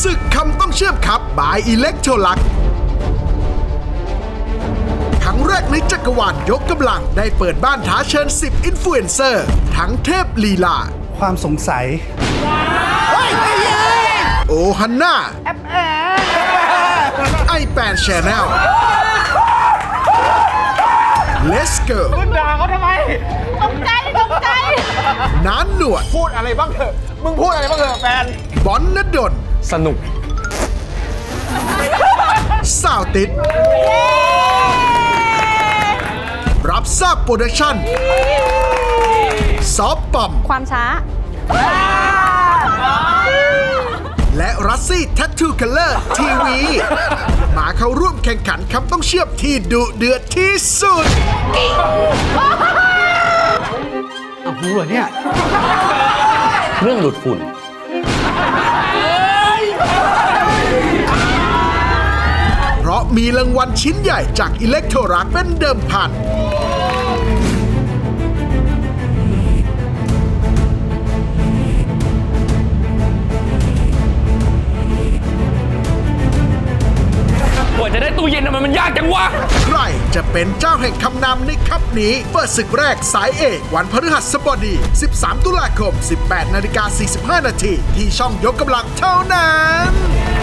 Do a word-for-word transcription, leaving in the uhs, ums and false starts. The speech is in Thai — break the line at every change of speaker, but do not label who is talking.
ศึกคำต้องเชื่อมครับบายอิเล็กโทรลักครั้งแรกในจักรวาลยกกำลังได้เปิดบ้านท้าเชิญสิบอินฟลูเอนเซอร์ทั้งเทพลีลา
ความสงสัย
โอฮันน่าไอแปนชแนลเลสเกิร์ล
มึงด่าเขาทำไม
ตกใจตกใจ
น้านหนวด
พูดอะไรบ้างเถอะ มึงพูดอะไรบ้างเถอะแฟน
บอนนดล
สนุก
สาวติด รับทราบโปรดักชั่น ซอฟปอม
ความช้า
และรัสซี่แทททูคัลเลอร์ทีวี มาเข้าร่วมแข่งขันคำต้องเชื่อมที่ดุเดือดที่สุด
รู้เหรอเนี่ย
เครื่องดูดฝุ่น
เพราะมีรางวัลชิ้นใหญ่จากอิเล็กโทรลักเป็นเดิมพัน
กว่าจะได้ตู้เย็นทำไมมันยากจังวะ
ใครจะเป็นเจ้าแห่งคำนำในคัพนี้ เปิดศึกแรกสายเอกวันพฤหัสบดี สิบสาม ตุลาคม สิบแปดนาฬิกาสี่สิบห้านาทีที่ช่องยกกำลังเท่านั้น